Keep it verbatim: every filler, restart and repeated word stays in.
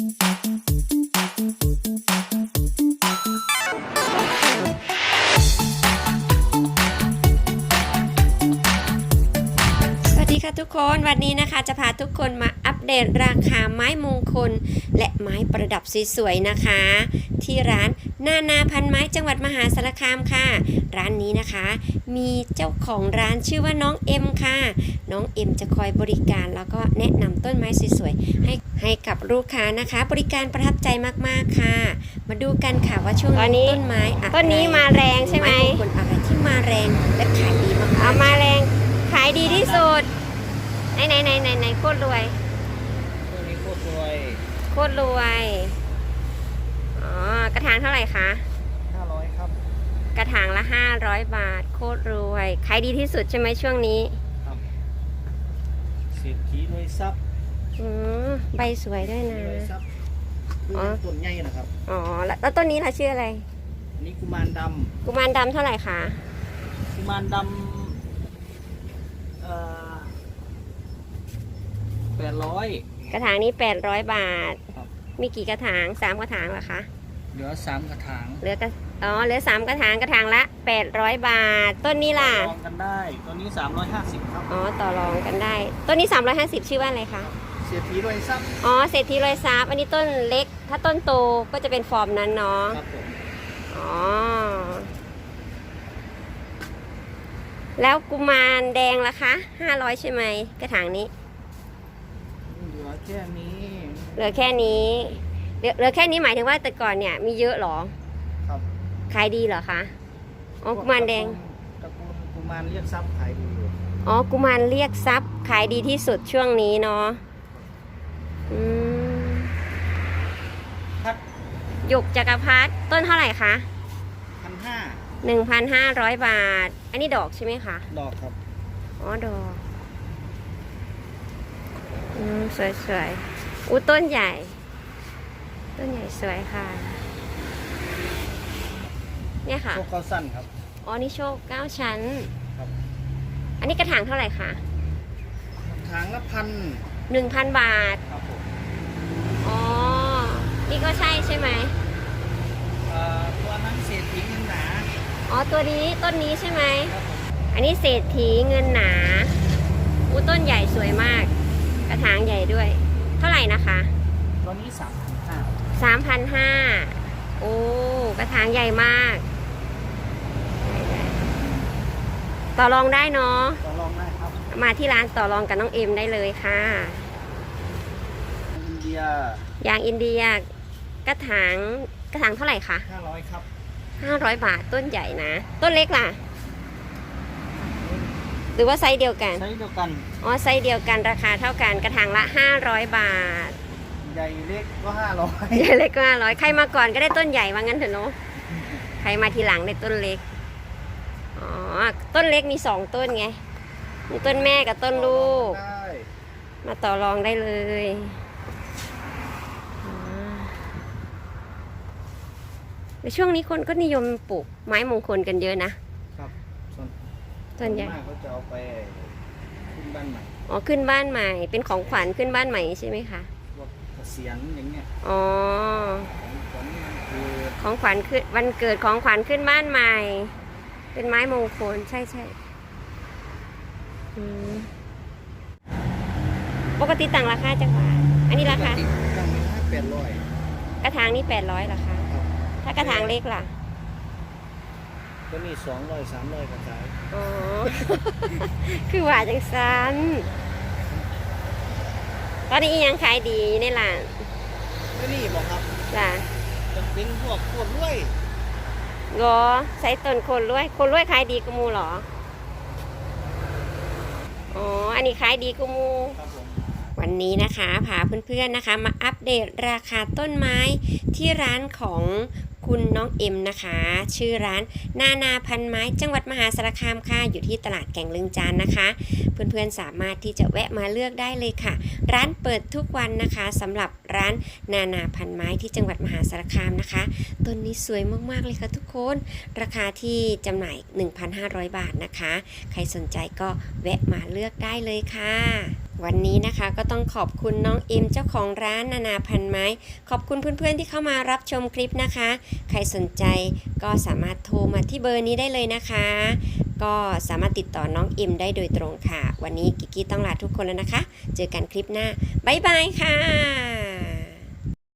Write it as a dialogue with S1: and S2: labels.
S1: ทุกคนวันนี้นะคะจะพาทุกคนมาอัปเดตราคาไม้มงคลและไม้ประดับสวยๆนะคะที่ร้านนานาพันไม้จังหวัดมหาสารคามค่ะร้านนี้นะคะมีเจ้าของร้านชื่อว่าน้องเอ็มค่ะน้องเอ็มจะคอยบริการแล้วก็แนะนำต้นไม้สวยๆให้ให้กับลูกค้านะคะบริการประทับใจมากๆค่ะมาดูกันค่ะว่าช่วงนี้ต้นไม้อะไรต้นนี้มาแรงใช่ไหมไม้มงคลอะไรที่มาแรงและขายดีมากๆเอามาแรงขายดีที่สุดไหนไหนไหนไหนไหนโคตรรวย
S2: ตัวนี้โคตรรวย
S1: โคตรรวยอ๋อกระถางเท่าไหร่คะ
S2: ห้าร้อยครับ
S1: กระถางละห้าร้อยบาทโคตรรวยขายดีที่สุดใช่ไหมช่วงนี้
S2: ครับเศรษฐีรวยทรัพย์
S1: อืมใบสวยด้วยนะ
S2: อ๋อต้นใหญ่นะครับ
S1: อ๋อแล้วต้นนี้ล่ะชื่ออะไร
S2: นี่กุมารดำ
S1: กุมารดำเท่าไหร่คะ
S2: กุมารดำเอ่อแปดร้อย
S1: กระถางนี้แปดร้อยบาทมีกี่กระถางสามกระถางเหรอคะ
S2: เหลือสามกระถาง
S1: เหลือกระอ๋อเหลือสามกระถางกระถางละแปดร้อยบาทต้นนี้ล่ะ
S2: ต่อรองกันได้ต้นนี้สามร้อยห้าสิบครับ
S1: อ๋อต่อรองกันได้ต้นนี้สามร้อยห้าสิบชื่อว่าอะไรคะ
S2: เศรษฐีรวยทรัพย์
S1: อ๋อเศรษฐีรวยทรัพย์อันนี้ต้นเล็กถ้าต้นโตก็จะเป็นฟอร์มนั้นเนาะ
S2: ครับผม
S1: อ๋อแล้วกุมารแดงล่ะคะห้าร้อยใช่ไหมกระถางนี้
S2: เหลือแค่นี้
S1: เหลือแค่นี้เหลือเหลือแค่นี้หมายถึงว่าแต่ก่อนเนี่ยมีเยอะหรอ
S2: ครับ
S1: ขายดีเหรอคะอ๋อกุมารแดง
S2: ตระกูลกุมารเรียกทรัพย์ขายดีอยู่
S1: อ๋อกุมารเรียกทรัพย์ขายดีที่สุดช่วงนี้เนาะอืมหยกจักรพรรดิต้นเท่าไหร่คะ
S2: พันห้า
S1: หนึ่งพันห้าร้อยบาทอันนี้ดอกใช่ไหมคะ
S2: ดอกครับ
S1: อ๋อดอกอืมสวยๆอู้ต้นใหญ่ต้นใหญ่สวยค่ะเนี่ยค่ะ
S2: โชคเก้าสั้นครับ
S1: อ๋อนี่โชคเก้าชั้น
S2: ครับ
S1: อันนี้กระถางเท่าไหร่คะ
S2: กระถางละพัน
S1: หนึ่งพันบาท
S2: ครับผม
S1: อ๋อนี่ก็ใช่ใช่ไหม
S2: เอ่อตัวนั้นเศรษฐีเงินหนา
S1: อ๋อตัวนี้ต้นนี้ใช่ไหมอันนี้เศรษฐีเงินหนาอู้ต้นใหญ่สวยมากกระถางใหญ่ด้วยเท่าไหร่นะคะ
S2: ตัวนี้สามพันห้า
S1: สามพันห้าโอ้กระถางใหญ่มากต่อรองได้เนาะ
S2: ต่อรองได้ครับ
S1: มาที่ร้านต่อรองกับน้องเอ็มได้เลยค่ะ
S2: อินเดีย
S1: ยางอินเดียกระถางกระถางเท่าไหร่คะ
S2: ห้าร้อยครับ
S1: ห้าร้อยบาทต้นใหญ่นะต้นเล็กล่ะหรือว่าไซส์เดียวกัน
S2: ไซส์เดียวกัน
S1: อ๋อไซส์เดียวกันราคาเท่ากันกระถางละห้าร้อยบาท
S2: ใหญ่เล็กก็ห้าร้อย
S1: ใหญ่เล็กก็ห้าร้อยใครมาก่อนก็ได้ต้นใหญ่ว่างั้นเถอะเนาะใครมาทีหลังได้ต้นเล็กอ๋อต้นเล็กมีสองต้นไงมีต้นแม่กับต้นลูกมาต่อรองได้เลยในช่วงนี้คนก็นิยมปลูกไม้มงคลกันเยอะนะครับส่วนใหญ่
S2: เขาจะเอาไปขึ้นบ้านใหม่
S1: อ๋อขึ้นบ้านใหม่เป็นของขวัญขึ้นบ้านใหม่ใช่ไหมคะ
S2: เกษียณอย่างเงี้ย
S1: อ๋อของขวัญขึ้นวันเกิดของขวัญขึ้นบ้านใหม่เป็นไม้มงคลใช่ใช่ปกติต่างราคาจังหวะอันนี้ราคา
S2: ตั้งแปดร้อย
S1: กระถางนี่แปดร้อยราคาถ้ากระถางเล็กล่ะ
S2: ก็มีสองร้อยสามร้อยกระถาง
S1: อ๋อคือว่าจังสันตอนนี้ยังขายดีในร้าน
S2: ก็นี่บอกครับ
S1: จ้ะ
S2: จะเป็นพวกโคตรรวย
S1: เหรอใส่ต้นโคนรวยโคนรวยขายดีกว่ามูเหรออ๋ออันนี้ขายดีกว่ามูวันนี้นะคะพาเพื่อนๆนะคะมาอัปเดตราคาต้นไม้ที่ร้านของคุณน้องเอ็มนะคะชื่อร้านนานาพันไม้จังหวัดมหาสารคามค่ะอยู่ที่ตลาดแก่งลึงจานนะคะเพื่อนๆสามารถที่จะแวะมาเลือกได้เลยค่ะร้านเปิดทุกวันนะคะสำหรับร้านนานาพันไม้ที่จังหวัดมหาสารคามนะคะต้นนี้สวยมากๆเลยค่ะทุกคนราคาที่จำหน่าย หนึ่งพันห้าร้อย บาทนะคะใครสนใจก็แวะมาเลือกได้เลยค่ะวันนี้นะคะก็ต้องขอบคุณน้องเอ็มเจ้าของร้านนานาพันไม้ขอบคุณเพื่อนๆที่เข้ามารับชมคลิปนะคะ ใครสนใจก็สามารถโทรมาที่เบอร์นี้ได้เลยนะคะ ก็สามารถติดต่อน้องเอ็มได้โดยตรงค่ะ วันนี้กิกกี้ต้องลาทุกคนแล้วนะคะ เจอกันคลิปหน้าบ๊ายบายค่ะ